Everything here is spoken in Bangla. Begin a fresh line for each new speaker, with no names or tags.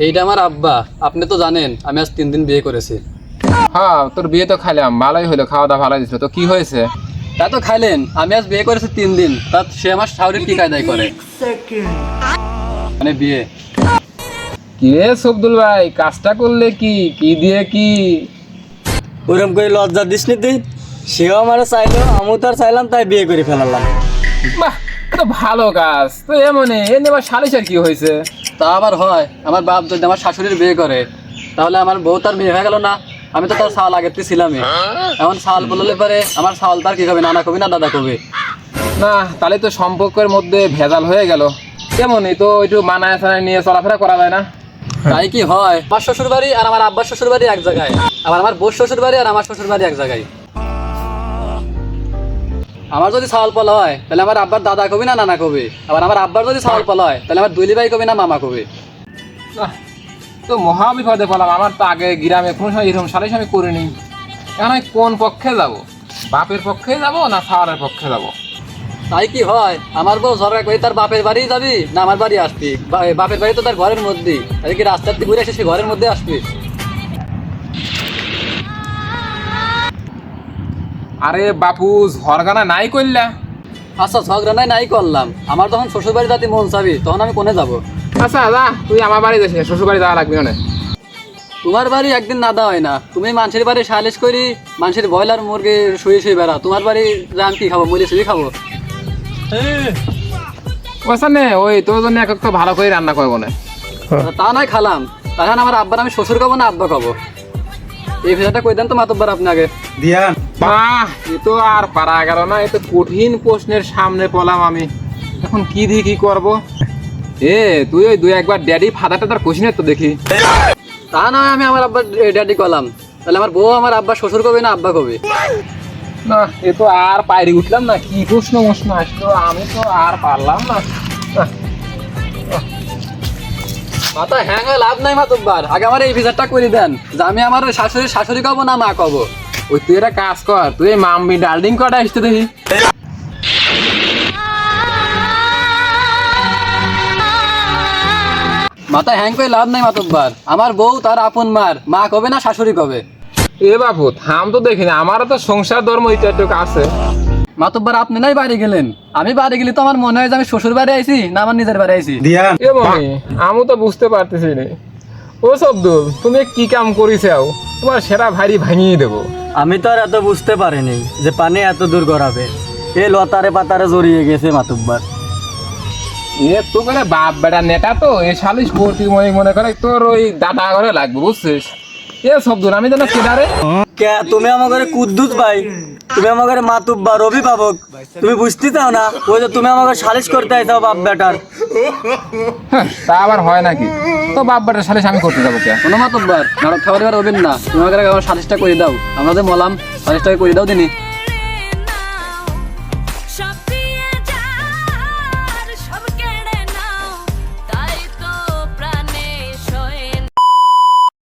এইটা আমার আব্বা। আপনি তো জানেন আমি আজ 3 দিন বিয়ে করেছি।
হ্যাঁ, তোর বিয়ে তো খাইলাম, ভালোই হলো, খাওয়া দাওয়া ভালোই দিছিল। তো কি হয়েছে?
তা তো খাইলেন, আমি আজ বিয়ে করেছি 3 দিন, তা সে আমার শাশুড়ির কি কায়দায় করে মানে বিয়ে।
কি রে সবদুল ভাই, কাজটা করলে কি কি দিয়ে কি?
ওরকম করে লজ্জা দিস নি তুই। সেও আমারও চাইলো, আমিও তার চাইলাম, তাই বিয়ে করে ফেলালাম।
বাহ, তো ভালো কাজ তো। এমনি এনে আবার সালিশের কি হয়েছে?
তা আবার হয়, আমার বাপ যদি আমার শাশুড়ির বিয়ে করে তাহলে আমার বউ তার বিয়ে হয়ে গেল না? আমি তো তার সাল আগের ছিলামই। এখন সাল বললে পারে আমার সাল তার কি হবে, নানা কবি না দাদা কবি?
না, তাহলে তো সম্পর্কের মধ্যে ভেজাল হয়ে গেল। কেমনই তো একটু মানায় সানায় নিয়ে চলাফেরা করা যায় না?
তাই কি হয়? আমার শ্বশুর বাড়ি আর আমার আব্বার শ্বশুর বাড়ি এক জায়গায়, আবার আমার বউর শ্বশুর বাড়ি আর আমার শ্বশুর বাড়ি এক জায়গায়। আমার যদি ছাওয়াল পলা হয় তাহলে আমার আব্বার দাদা কবি না নানা কবি? আবার আমার আব্বার যদি ছাওয়াল পলা হয় তাহলে আমার দুলি ভাই কবি না মামা কবি?
নাহ, তো মহা বিপদে পড়লাম। আমার তো আগে গ্রামে কোনো সময় এরকম সালিশ আমি করিনি। এখন আমি কোন পক্ষে যাব? বাপের পক্ষে যাব না সাওয়ারের পক্ষে যাব?
তাই কি হয়? আমার বউ ঝগড়া করে তার বাপের বাড়ি যাবি না আমার বাড়ি আসবি? বাপের বাড়ি তো তার ঘরের মধ্যেই, তাই কি রাস্তার থেকে ঘুরে এসে সে ঘরের মধ্যে আসবি?
আরে বাপু, ঝরগানা নাই করলা?
আচ্ছা ঝগড়া নাই করলাম, আমার যখন শ্বশুর বাড়ি যাতে মন চাবি তখন আমি কোনে যাব?
আচ্ছা যা, তুই আমার বাড়ি যাস, শ্বশুর বাড়ি যাওয়া লাগবে না।
তোমার বাড়ি একদিন নাদা হয় না, তুমি মানুষের বাড়ি সালিশ করি, মানুষের ব্রয়লার মুরগি শুয়ে বেড়া। তোমার বাড়ি রাম কি খাবো? মুড়ি শুয়ে খাবো?
ওখানে ওই তোর জন্য এক তো ভালো করে রান্না করবো না।
তা নয় খালাম, তখন আমার আব্বার আমি শ্বশুর খাবো না আব্বা খাবো? এই বিষয়টা কই দেন তো মাতব্বার আপনি আগে।
দিয়ান,
বাহ, এ তো আর পারা গেল না। এ তো কঠিন প্রশ্নের সামনে পড়লাম আমি। এখন কি দিয়ে কি করবো? তুই ওই 2-1 বার ড্যাডি ফাদারটা তার কোশিনের তো দেখি।
তা নয় আমি আমার আব্বার ড্যাডি কলাম, তাহলে আমার বউ আমার আব্বা শ্বশুর কবে না আব্বা কবে?
না, এ তো আর পায়রি উঠলাম না। কি প্রশ্ন আসলো, আমি তো আর পারলাম না।
মাথা হ্যাং হয়ে লাভ নাই মাতব্বার, আগে আমার এই বিচারটা করে দেন যে আমি আমার শাশুড়ি কব না মা কব?
ওই তুই একটা কাজ কর, তুই এই মাম্মি ডার্লিং কটা আসতে দেখি।
মাথা হ্যাং করে লাভ নাই মাতব্বার, আমার বউ তার আপন মার মা কবে না শাশুড়ি কবে?
এ বাপু থাম তো দেখি না, আমারও তো সংসার ধর্ম ইত্যাদি আছে।
মাতব্বার আপনি নাই বাড়ি গেলেন, আমি বাড়ি গেলে তো আমার মনে হয় যে আমি শ্বশুর বাড়ি আইছি না আমার নিজের বাড়ি আইছি।
দিয়ান,
এ মমি, আমি তো বুঝতে পারতেছি না। ও সবদুল, তুমি কি কাম করিসাও? তোমার সেরা ভারী ভাঙিয়ে দেবো।
আমি তো আর এত বুঝতে পারিনি যে পানি এত দূর গড়াবে। এ লতারে পাতারে জড়িয়ে গেছে মাতুব্বার।
এ তো করে বাপ বেটা নেটা তো, এ শালিশ করতি মনে করে তোর ওই দাদা ঘরে লাগবে, বুঝছিস? এ সবদুল, আমি যেন কেদারে।
কে তুমি আমাকে কুদ্দুস ভাই, তুমি আমাকে মাতুব্বার অভিভাবক, তুমি বুঝতে চাও না? ওই যে তুমি আমাকে সালিশ করতে আইসাও বাপ বেটার।
হ্যাঁ, তা আবার হয় নাকি? তো বাপ বেটার শালিশ আমি করতে যাবো কে?
কোনো মাতব্বার নাটক খাবার এবার হবেন না, তুমি আমাকে আমার সালিশটা করে দাও, আমরা যে মলাম সালিশটাকে করে দাও দিনি।